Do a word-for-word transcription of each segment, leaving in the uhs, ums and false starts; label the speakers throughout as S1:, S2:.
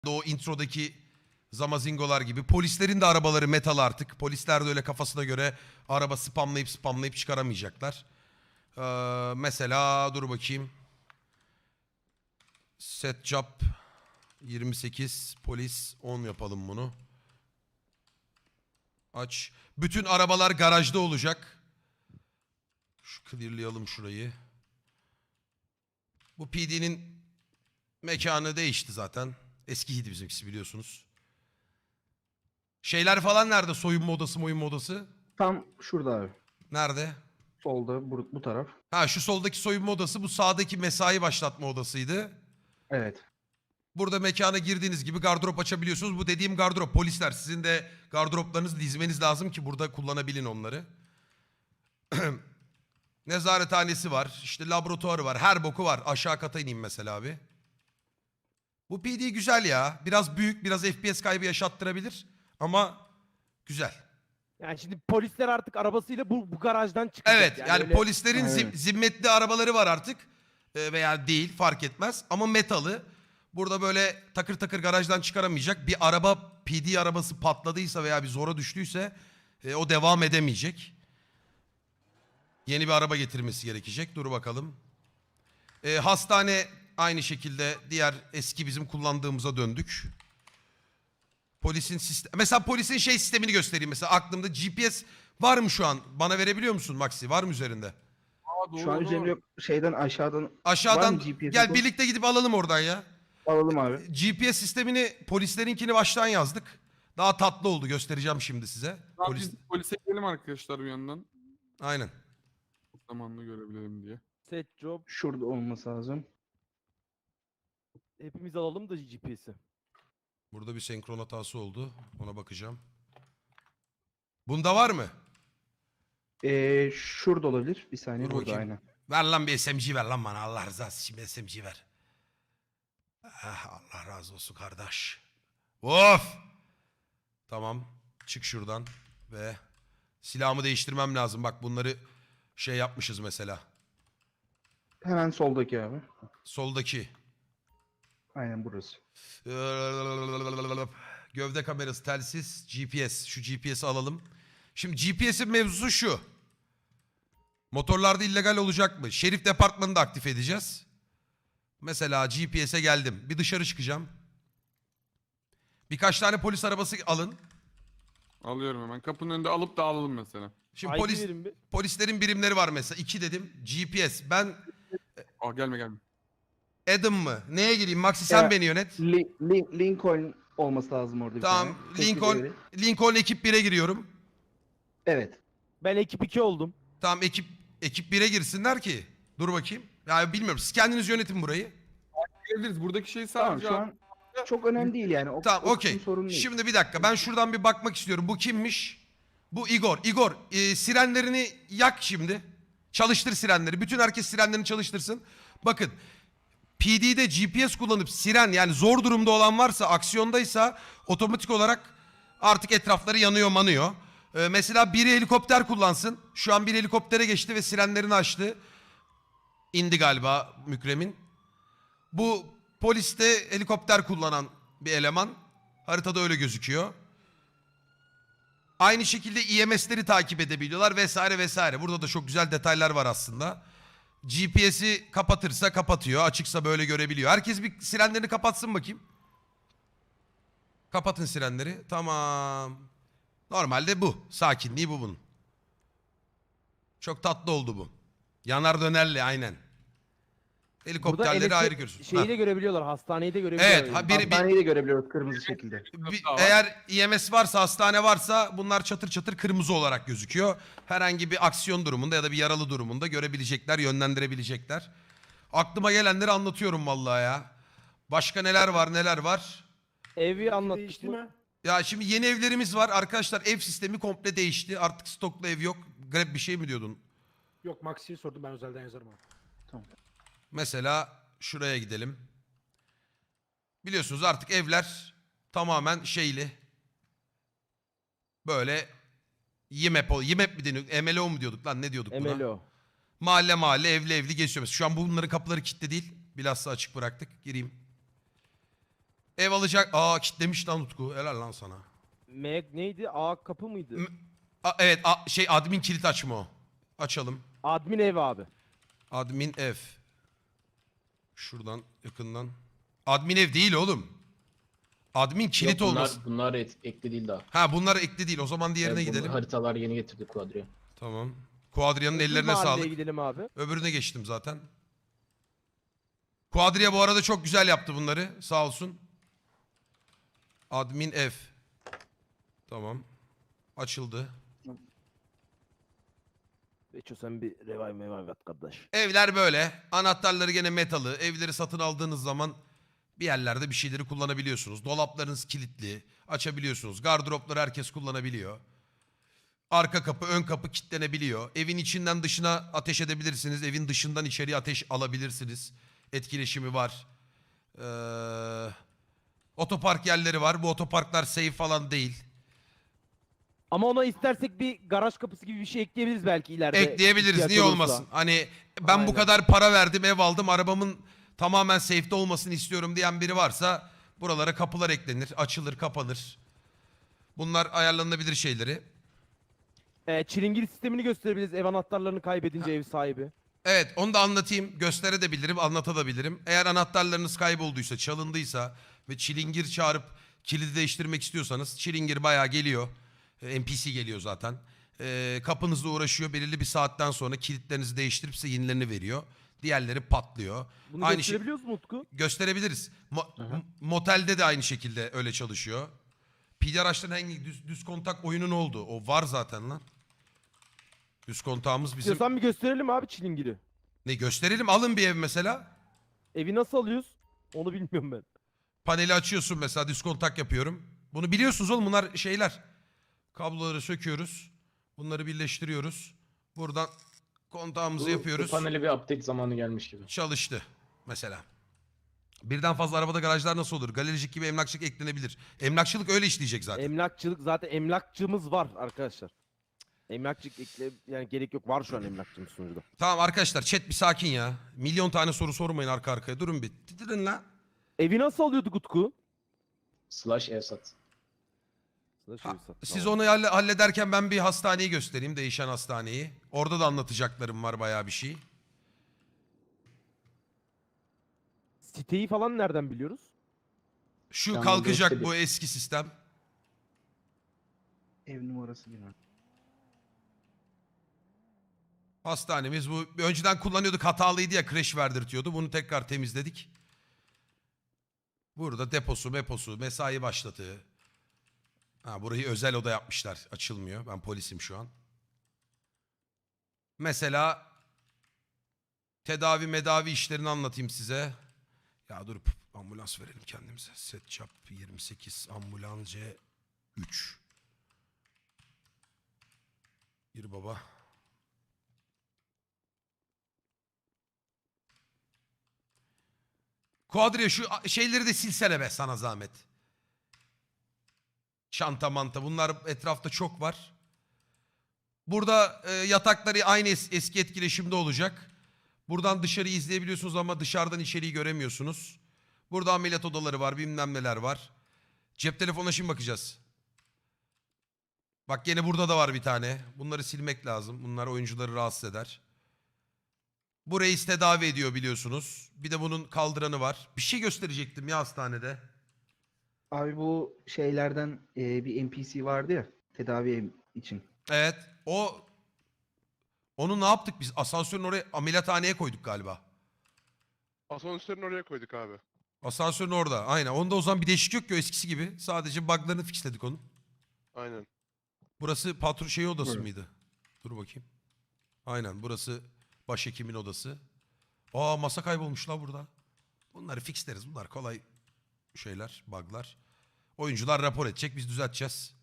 S1: O introdaki zamazingolar gibi. Polislerin de arabaları metal artık. Polisler de öyle kafasına göre araba spamlayıp spamlayıp çıkaramayacaklar. Ee, mesela dur bakayım. Set job yirmi sekiz, polis on yapalım bunu. Aç. Bütün arabalar garajda olacak. Şu clearlayalım şurayı. Bu P D'nin mekanı değişti zaten. Eskiydi bizimkisi biliyorsunuz. Şeyler falan nerede? Soyunma odası, moyunma odası?
S2: Tam şurada abi.
S1: Nerede?
S2: Solda bu, bu taraf.
S1: Ha şu soldaki soyunma odası, bu sağdaki mesai başlatma odasıydı.
S2: Evet.
S1: Burada mekana girdiğiniz gibi gardırop açabiliyorsunuz. Bu dediğim gardırop. Polisler sizin de gardıroplarınızı dizmeniz lazım ki burada kullanabilin onları. Nezarethanesi var. İşte laboratuvarı var. Her boku var. Aşağı kata ineyim mesela abi. Bu P D güzel ya. Biraz büyük, biraz F P S kaybı yaşattırabilir. Ama güzel.
S3: Yani şimdi polisler artık arabasıyla bu, bu garajdan çıkacak.
S1: Evet yani,
S3: öyle-
S1: polislerin zim-
S2: Evet.
S1: zimmetli arabaları var artık. Ee, veya değil fark etmez. Ama metalı. Burada böyle takır takır garajdan çıkaramayacak. Bir araba P D arabası patladıysa veya bir zora düştüyse e, o devam edemeyecek. Yeni bir araba getirmesi gerekecek. Dur bakalım. Ee, hastane aynı şekilde diğer eski bizim kullandığımıza döndük. Polisin sistem... Mesela polisin şey sistemini göstereyim. Mesela aklımda G P S var mı şu an? Bana verebiliyor musun Maxi? Var mı üzerinde?
S4: Aa, doğru,
S2: Şu an
S4: doğru.
S2: üzerimde yok. Şeyden aşağıdan var
S1: Aşağıdan
S2: mı G P S
S1: gel
S2: kod?
S1: birlikte gidip alalım oradan ya.
S2: Alalım abi.
S1: G P S sistemini polislerinkini baştan yazdık. Daha tatlı oldu, göstereceğim şimdi size.
S4: Tamam,
S1: Polis...
S4: biz polise gidelim arkadaşlar bir yandan.
S1: Aynen.
S4: Zamanını görebilelim diye.
S3: Set job.
S2: Şurada olması lazım.
S3: Hepimiz alalım da G P S'i.
S1: Burada bir senkron hatası oldu. Ona bakacağım. Bunda var mı?
S2: Ee, şurada olabilir. Bir saniye
S1: Dur
S2: burada
S1: bakayım.
S2: aynen.
S1: Ver lan bir S M G ver lan bana. Allah rızası için bir S M G ver. Ah, Allah razı olsun kardeş. Of! Tamam. Çık şuradan. Ve silahımı değiştirmem lazım. Bak bunları şey yapmışız mesela.
S2: Hemen soldaki abi.
S1: Soldaki.
S2: Aynen burası.
S1: Gövde kamerası, telsiz, G P S. Şu G P S'i alalım. Şimdi G P S'in mevzusu şu. Motorlarda illegal olacak mı? Şerif departmanını da aktif edeceğiz. Mesela G P S'e geldim. Bir dışarı çıkacağım. Birkaç tane polis arabası alın.
S4: Alıyorum hemen. Kapının önünde alıp da alalım mesela.
S1: Şimdi
S3: I D
S1: polis
S3: verin bir.
S1: polislerin birimleri var mesela. İki dedim. G P S. Ben
S4: Aa, gelme gelme.
S1: Adam mı? Neye gireyim? Maxi sen
S2: Ya,
S1: beni yönet.
S2: Li- Lin- Lincoln olması lazım orada bir
S1: Tamam.
S2: tane. Tek
S1: Lincoln
S2: bir değeri.
S1: Lincoln ekip bire giriyorum.
S2: Evet.
S3: Ben ekip iki oldum.
S1: Tamam ekip ekip bire girsinler ki. Dur bakayım. Ya bilmiyorum. Siz kendiniz yönetin burayı.
S4: Gelebiliriz. Buradaki şey
S2: Tamam
S4: sadece...
S2: şu an çok önemli değil yani. O,
S1: Tamam
S2: o
S1: okey.
S2: kısım sorun değil.
S1: Şimdi bir dakika. Ben şuradan bir bakmak istiyorum. Bu kimmiş? Bu Igor. Igor e, sirenlerini yak şimdi. Çalıştır sirenleri. Bütün herkes sirenlerini çalıştırsın. Bakın. P D'de G P S kullanıp siren yani zor durumda olan varsa, aksiyondaysa otomatik olarak artık etrafları yanıyor manıyor. Ee, mesela biri helikopter kullansın. Şu an bir helikoptere geçti ve sirenlerini açtı. İndi galiba Mükremin. Bu poliste helikopter kullanan bir eleman. Haritada öyle gözüküyor. Aynı şekilde E M S'leri takip edebiliyorlar vesaire vesaire. Burada da çok güzel detaylar var aslında. G P S'i kapatırsa kapatıyor. Açıksa böyle görebiliyor. Herkes bir sirenlerini kapatsın bakayım. Kapatın sirenleri. Tamam. Normalde bu. Sakinliği bu bunun. Çok tatlı oldu bu. Yanar dönerli aynen.
S3: Burada
S1: Helikopterleri
S3: elektrik
S1: ayrı görürsün.
S3: Şeyi
S1: Ha.
S3: de görebiliyorlar. Hastaneyi de görebiliyorlar.
S1: Evet. Ha, biri, bir,
S2: Hastaneyi de görebiliyoruz kırmızı şekilde.
S1: bir-
S4: Daha var.
S1: eğer E M S varsa, hastane varsa bunlar çatır çatır kırmızı olarak gözüküyor. Herhangi bir aksiyon durumunda ya da bir yaralı durumunda görebilecekler, yönlendirebilecekler. Aklıma gelenleri anlatıyorum vallahi ya. Başka neler var neler var.
S3: Evi anlattık mı?
S1: Ya şimdi yeni evlerimiz var. Arkadaşlar ev sistemi komple değişti. Artık stoklu ev yok. Grab bir şey mi diyordun?
S5: Yok Maxi'yi sordum, ben özelden yazarım abi.
S1: Mesela şuraya gidelim. Biliyorsunuz artık evler tamamen şeyli. Böyle Y M A P, Y M A P mi deniyor? M L O mu diyorduk lan, ne diyorduk buna?
S3: M L O.
S1: Mahalle mahalle, evli evli geçiyor. Mesela şu an bunların kapıları kilitli değil. Bilhassa açık bıraktık. Gireyim. Ev alacak. Aa kitlemiş lan Utku. Helal lan sana.
S3: Meg neydi? A kapı mıydı?
S1: M- A- evet a- şey admin kilit açma o. Açalım.
S3: Admin ev abi.
S1: Admin ev. Şuradan yakından. Admin ev değil oğlum. Admin kilit
S6: Yok, bunlar,
S1: olması.
S6: bunlar et- ekli değil daha.
S1: Ha bunlar ekli değil. O zaman diğerine
S6: Evet, bunu
S1: gidelim.
S6: Haritalar yeni getirdik Quadri'ye.
S1: Tamam. Quadria'nın
S3: Öbür
S1: ellerine
S3: mahalleye
S1: sağlık.
S3: gidelim abi.
S1: Öbürüne geçtim zaten. Quadria bu arada çok güzel yaptı bunları. Sağ olsun. Admin ev. Tamam. Açıldı.
S3: Beço sen bir revive mevive at kardeş.
S1: Evler böyle. Anahtarları gene metalı. Evleri satın aldığınız zaman bir yerlerde bir şeyleri kullanabiliyorsunuz. Dolaplarınız kilitli. Açabiliyorsunuz. Gardıropları herkes kullanabiliyor. Arka kapı, ön kapı kilitlenebiliyor. Evin içinden dışına ateş edebilirsiniz. Evin dışından içeriye ateş alabilirsiniz. Etkileşimi var. Ee, otopark yerleri var. Bu otoparklar safe falan değil.
S3: Ama ona istersek bir garaj kapısı gibi bir şey ekleyebiliriz belki ileride.
S1: Ekleyebiliriz.
S3: ihtiyaç
S1: Niye
S3: olursa.
S1: olmasın? Hani ben bu
S3: Aynen.
S1: kadar para verdim, ev aldım, arabamın tamamen safe'de olmasını istiyorum diyen biri varsa buralara kapılar eklenir, açılır, kapanır. Bunlar ayarlanabilir şeyleri.
S3: Ee, çilingir sistemini gösterebiliriz ev anahtarlarını kaybedince ev sahibi.
S1: Evet, onu da anlatayım. Gösterebilirim, anlatabilirim. Eğer anahtarlarınız kaybolduysa, çalındıysa ve çilingir çağırıp kilidi değiştirmek istiyorsanız çilingir bayağı geliyor. Ee, N P C geliyor zaten. Ee, kapınızla uğraşıyor. Belirli bir saatten sonra kilitlerinizi değiştirip size yenilerini veriyor. Diğerleri patlıyor.
S3: Bunu
S1: Aynı şey
S3: gösterebiliyoruz mu Utku?
S1: gösterebiliriz. Mo-
S6: Hı hı.
S1: m- motelde de aynı şekilde öyle çalışıyor. P D araçların hangi düz, düz kontak oyunu ne oldu? O var zaten lan. Düz kontağımız bizim.
S3: İstiyorsan bir gösterelim abi çilingiri.
S1: Ne gösterelim? Alın bir ev mesela.
S3: Evi nasıl alıyoruz? Onu bilmiyorum ben.
S1: Paneli açıyorsun mesela, düz kontak yapıyorum. Bunu biliyorsunuz oğlum, bunlar şeyler. Kabloları söküyoruz. Bunları birleştiriyoruz. Buradan kontağımızı
S6: Bu,
S1: yapıyoruz.
S6: bu panele bir update zamanı gelmiş gibi.
S1: Çalıştı mesela. Birden fazla arabada garajlar nasıl olur? Galericilik gibi emlakçılık eklenebilir. Emlakçılık öyle işleyecek zaten.
S3: Emlakçılık zaten emlakçımız var arkadaşlar. Emlakçılık ekle yani gerek yok, var şu an emlakçımız sunucuda.
S1: Tamam arkadaşlar, chat bir sakin ya. Milyon tane soru sormayın arka arkaya. Durun bir. Titirin la.
S3: Evi nasıl alıyorduk Utku?
S6: Slash evsat.
S3: Slash
S1: Ha,
S3: evi satın
S1: siz
S3: al.
S1: onu halle- hallederken ben bir hastaneyi göstereyim. Değişen hastaneyi. Orada da anlatacaklarım var bayağı bir şey.
S3: Siteyi falan nereden biliyoruz?
S1: Şu
S6: Tamam,
S1: kalkacak
S6: göstereyim.
S1: bu eski sistem.
S2: Ev numarası bilmem.
S1: Hastanemiz bu. Önceden kullanıyorduk, hatalıydı ya, crash verdirtiyordu. Bunu tekrar temizledik. Burada deposu, meposu, mesai başlatığı. Ha, burayı özel oda yapmışlar. Açılmıyor. Ben polisim şu an. Mesela tedavi medavi işlerini anlatayım size. Ya dur, ambulans verelim kendimize. Setçap yirmi sekiz ambulans C üç. Gir baba. Kuadriye şu şeyleri de silsene be sana zahmet. Çanta manta bunlar etrafta çok var. Burada e, yatakları aynı es- eski etkileşimde olacak. Buradan dışarıyı izleyebiliyorsunuz ama dışarıdan içeriği göremiyorsunuz. Burada ameliyat odaları var, bilmem neler var. Cep telefonuna şimdi bakacağız. Bak gene burada da var bir tane. Bunları silmek lazım. Bunlar oyuncuları rahatsız eder. Bu reis tedavi ediyor biliyorsunuz. Bir de bunun kaldıranı var. Bir şey gösterecektim ya hastanede.
S2: Abi bu şeylerden e, bir N P C vardı ya tedavi ev için.
S1: Evet. O onu ne yaptık biz? Asansörün oraya, ameliyathaneye koyduk galiba.
S7: Asansörün oraya koyduk abi.
S1: Asansörün orada. Aynen. Onda o zaman bir değişik yok ki, o eskisi gibi. Sadece bug'larını fixledik onun.
S7: Aynen.
S1: Burası patron şey odası
S2: Buyurun.
S1: mıydı? Dur bakayım. Aynen, burası başhekimin odası. Aa, masa kaybolmuş la burada. Bunları fixleriz. Bunlar kolay şeyler, bug'lar. Oyuncular rapor edecek, biz düzelteceğiz.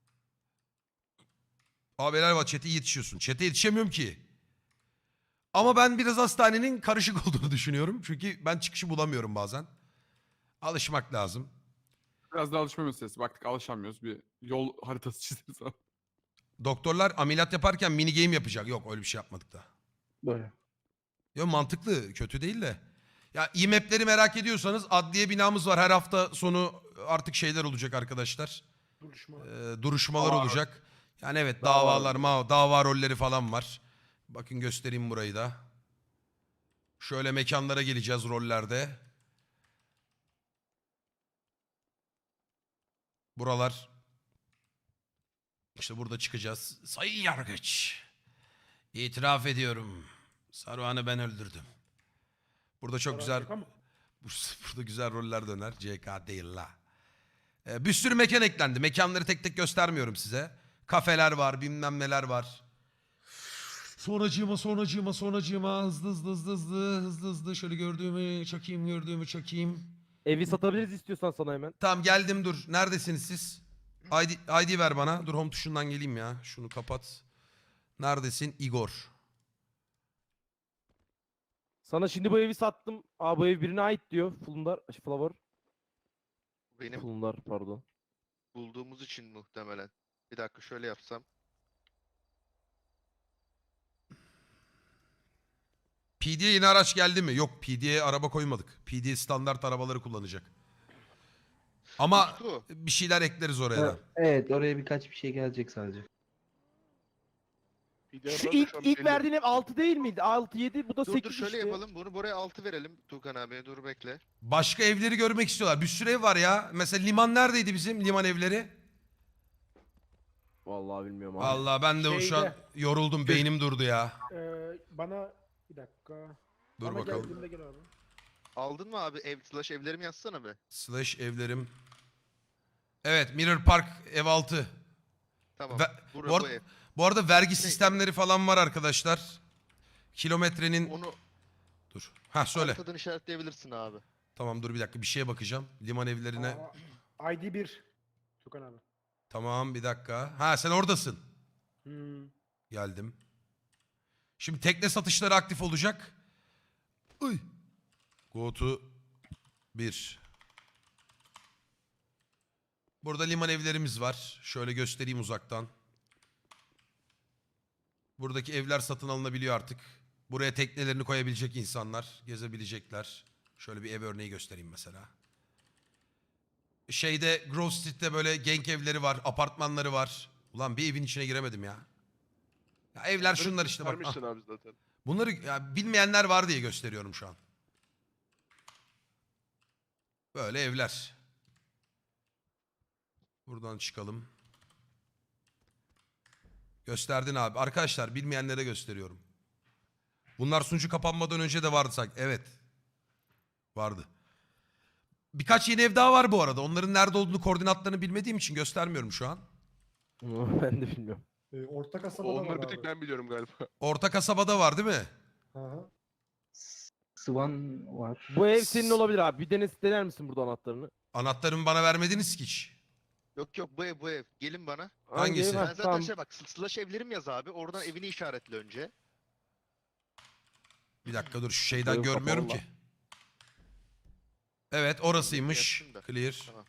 S1: Abi helal var, chat'e yetişiyorsun. Chat'e yetişemiyorum ki. Ama ben biraz hastanenin karışık olduğunu düşünüyorum. Çünkü ben çıkışı bulamıyorum bazen. Alışmak lazım.
S4: Biraz da alışma meselesi. Baktık alışamıyoruz. Bir yol haritası çizeriz abi.
S1: Doktorlar ameliyat yaparken mini game yapacak. Yok, öyle bir şey yapmadık da.
S2: Böyle.
S1: Yok, mantıklı, kötü değil de. Ya İMEP'leri merak ediyorsanız adliye binamız var. Her hafta sonu artık şeyler olacak arkadaşlar.
S5: Duruşma.
S1: Ee, duruşmalar
S4: Dava.
S1: olacak. Yani evet
S3: Dava.
S1: davalar, ma dava rolleri falan var. Bakın göstereyim burayı da. Şöyle mekanlara geleceğiz rollerde. Buralar. İşte burada çıkacağız. Sayın Yargıç. İtiraf ediyorum. Saruhan'ı ben öldürdüm. Burada çok güzel...
S5: Şaka mı?
S1: Burada güzel roller döner. C K değil la. Ee, bir sürü mekan eklendi. Mekanları tek tek göstermiyorum size. Kafeler var, bilmem neler var. Sonracığıma, sonracığıma, sonracığıma. Hızlı hızlı hızlı hızlı hızlı hızlı. Şöyle gördüğümü çakayım, gördüğümü çakayım.
S3: Evi satabiliriz istiyorsan sana hemen.
S1: Tamam geldim dur. Neredesiniz siz? I D, I D ver bana. Dur home tuşundan geleyim ya. Şunu kapat. Neredesin? Igor.
S3: Sana şimdi bu evi sattım. Aa bu ev birine ait diyor. Fulundar, şey, Flower.
S7: Benim
S3: Fulundar pardon.
S7: bulduğumuz için muhtemelen. Bir dakika şöyle yapsam.
S1: P D'ye yeni araç geldi mi? Yok P D'ye araba koymadık. P D standart arabaları kullanacak. Ama
S7: Utku,
S1: bir şeyler ekleriz oraya da.
S2: Evet, oraya birkaç bir şey gelecek sadece.
S7: bir de
S3: Şu
S7: arada
S3: ilk,
S7: şu an
S3: ilk
S7: belli-
S3: verdiğin ev altı değil miydi? altı yedi bu da
S7: Dur
S3: sekiz
S7: dur şöyle
S3: işte.
S7: yapalım. Bunu buraya altı verelim. Tuğkan abi dur bekle.
S1: Başka evleri görmek istiyorlar. Bir sürü ev var ya. Mesela liman neredeydi bizim liman evleri?
S3: Vallahi bilmiyorum abi.
S1: Allah ben de şu an
S5: Şeyde.
S1: yoruldum. Beynim durdu ya.
S5: Ee, bana bir dakika.
S1: Dur
S5: Bana
S1: bakalım.
S5: geldiğinde gel abi.
S7: Aldın mı abi ev slash evlerimi yazsana be.
S1: Slash evlerim. Evet Mirror Park ev altı.
S7: Tamam.
S1: Ve-
S7: Bura,
S1: bu,
S7: bu,
S1: arada,
S7: ev.
S1: bu arada vergi sistemleri falan var arkadaşlar. Kilometrenin...
S7: Onu
S1: Dur. Ha söyle.
S7: haritadan işaretleyebilirsin abi.
S1: Tamam dur bir dakika bir şeye bakacağım. Liman evlerine.
S5: Aa, I D bir. Tukan abi.
S1: Tamam bir dakika. Ha sen oradasın.
S5: Hmm.
S1: Geldim. Şimdi tekne satışları aktif olacak. Uy. Go to bir. Burada liman evlerimiz var. Şöyle göstereyim uzaktan. Buradaki evler satın alınabiliyor artık. Buraya teknelerini koyabilecek insanlar. Gezebilecekler. Şöyle bir ev örneği göstereyim mesela. Şeyde Grove Street'te böyle genk evleri var. Apartmanları var. Ulan bir evin içine giremedim ya. Ya evler şunlar işte bak. Ah.
S7: Vermişsin abi zaten.
S1: Bunları ya bilmeyenler var diye gösteriyorum şu an. Böyle evler. Buradan çıkalım. Gösterdin abi. Arkadaşlar bilmeyenlere gösteriyorum. Bunlar sunucu kapanmadan önce de vardı sanki. Evet. Vardı. Birkaç yeni ev daha var bu arada. Onların nerede olduğunu, koordinatlarını bilmediğim için göstermiyorum şu an.
S3: Ben de bilmiyorum.
S5: Ee, orta kasabada
S7: Onları
S5: var
S7: bir tek
S5: abi.
S7: ben biliyorum galiba.
S1: Orta kasabada var değil mi?
S5: Aha.
S2: Swan var.
S3: Bu ev senin olabilir abi. Bir dene dener misin burada anahtarını?
S1: Anahtarımı bana vermediniz ki hiç.
S7: Yok yok bu ev bu ev. Gelin bana.
S1: Hangisi?
S3: ev? Ha,
S7: Ben zaten
S3: tamam.
S7: şey bak slash evlerim yaz abi. Oradan evini işaretle önce.
S1: Bir dakika dur şu şeyden
S3: Ev
S1: görmüyorum
S3: kapalı
S1: ki. Evet orasıymış.
S7: Yapsın da.
S1: Clear.
S7: Tamam.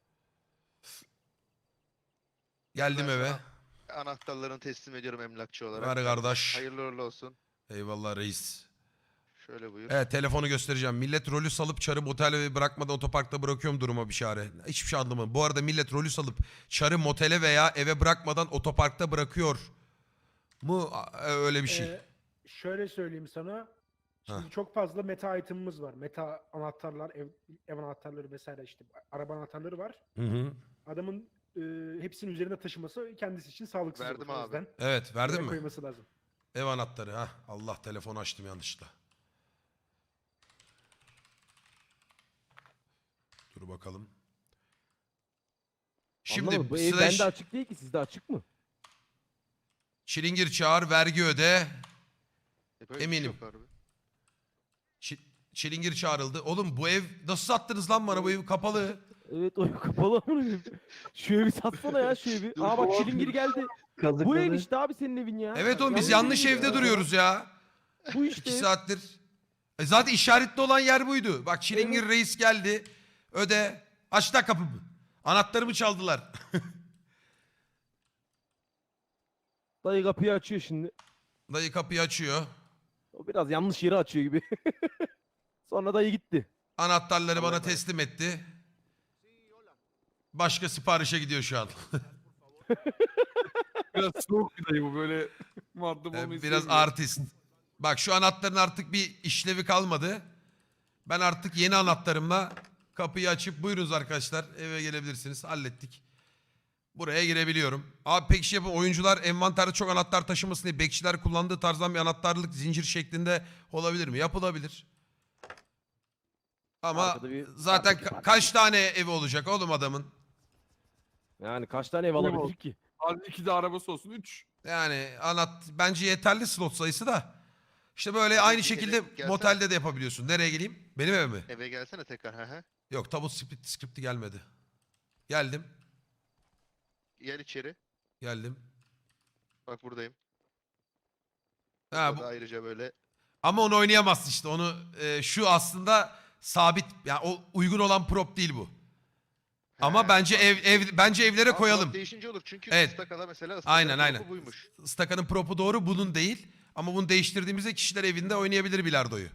S1: Geldim
S7: Ben
S1: eve.
S7: sana Anahtarlarını teslim ediyorum emlakçı olarak.
S1: Ver kardeş.
S7: Hayırlı uğurlu olsun.
S1: Eyvallah reis.
S7: Şöyle buyur.
S1: Evet telefonu göstereceğim. Millet rolü salıp çarı motele bırakmadan otoparkta bırakıyorum duruma bir çare. Hiçbir şey anlamadım. Bu arada millet rolü salıp çarı motele veya eve bırakmadan otoparkta bırakıyor mu? A- Öyle bir şey.
S5: Ee, şöyle söyleyeyim sana. Şimdi çok fazla meta item'ımız var. Meta anahtarlar, ev, ev anahtarları vesaire işte araba anahtarları var.
S1: Hı hı.
S5: Adamın e, hepsinin üzerinde taşıması kendisi için sağlıksız
S7: Verdim
S5: olur. O
S7: abi.
S5: yüzden
S1: Evet verdin
S5: buraya
S1: mi?
S5: koyması lazım.
S1: Ev anahtarı. ha. Allah telefonu açtım yanlışlıkla. Dur bakalım. Şimdi
S3: Anlamadım, bu ev
S1: slash
S3: bende açık değil ki sizde açık mı?
S1: çilingir çağır vergi öde.
S7: E, böyle bir şey
S1: Eminim.
S7: yok abi.
S1: Çi- çilingir çağrıldı. Oğlum bu ev nasıl sattınız lan bana bu ev kapalı.
S3: Evet o ev kapalı ama ev. Şu evi satsana ya şu evi. Aa bak çilingir geldi.
S2: Kazıkladı.
S3: Bu ev işte abi senin evin ya.
S1: Evet oğlum biz yanlış
S3: ev
S1: evde
S3: ya.
S1: duruyoruz ya.
S3: Bu işte.
S1: İki saattir. E zaten işaretli olan yer buydu. Bak çilingir reis geldi. Öde. Aç da kapımı. Anahtarımı çaldılar.
S3: Dayı kapıyı açıyor şimdi.
S1: Dayı kapıyı açıyor.
S3: O biraz yanlış yeri açıyor gibi. Sonra dayı gitti.
S1: Anahtarları
S7: Allah'a
S1: bana
S7: emanet.
S1: teslim etti. Başka siparişe gidiyor şu an.
S4: Biraz soğuk bir dayı bu böyle muhatap
S1: Ee,
S4: olmayı
S1: Biraz
S4: sevmiyor.
S1: artist. Bak şu anahtarın artık bir işlevi kalmadı. Ben artık yeni anahtarımla kapıyı açıp buyurunuz arkadaşlar eve gelebilirsiniz. Hallettik. Buraya girebiliyorum. Abi pek şey yapın. Oyuncular envanterde çok anahtar taşımasın diye bekçiler kullandığı tarzdan bir anahtarlık zincir şeklinde olabilir mi? Yapılabilir. Ama
S3: Arkada bir
S1: zaten
S3: parça
S1: ka-
S3: parça.
S1: kaç tane evi olacak oğlum adamın?
S3: Yani kaç tane ev
S4: Ne
S3: alabilir
S4: oldu?
S3: ki?
S4: Hadi iki de arabası olsun. Üç.
S1: Yani anahtar bence yeterli slot sayısı da. İşte böyle
S7: Abi
S1: aynı
S7: bir
S1: şekilde
S7: eve gelsene.
S1: motelde de yapabiliyorsun. Nereye geleyim? Benim eve mi?
S7: Eve gelsene tekrar. Hı hı.
S1: Yok tabut script, script'i gelmedi. Geldim.
S7: Gel içeri.
S1: Geldim.
S7: Bak buradayım.
S1: Ha,
S7: Burada
S1: bu,
S7: da ayrıca böyle.
S1: ama onu oynayamazsın işte. Onu e, şu aslında sabit yani o uygun olan prop değil bu. Ama
S7: He,
S1: bence
S7: bak.
S1: ev ev bence evlere
S7: Ama
S1: koyalım.
S7: prop değişince olur çünkü
S1: Evet.
S7: Staka'da mesela
S1: Aynen,
S7: Staka'nın
S1: aynen.
S7: propu buymuş.
S1: Staka'nın propu doğru, bunun değil. Ama bunu değiştirdiğimizde kişiler evinde oynayabilir bilardoyu.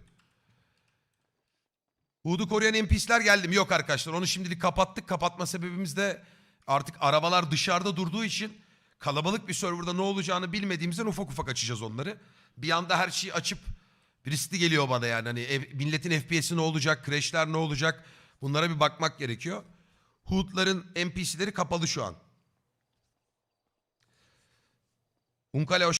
S1: Hood'u koruyan N P C'ler geldi mi? Yok arkadaşlar. Onu şimdilik kapattık. Kapatma sebebimiz de artık arabalar dışarıda durduğu için kalabalık bir serverda ne olacağını bilmediğimizden ufak ufak açacağız onları. Bir anda her şeyi açıp riskli geliyor bana yani. Hani ev, milletin F P S'i ne olacak? Crash'ler ne olacak? Bunlara bir bakmak gerekiyor. Hood'ların N P C'leri kapalı şu an. Unkale hoş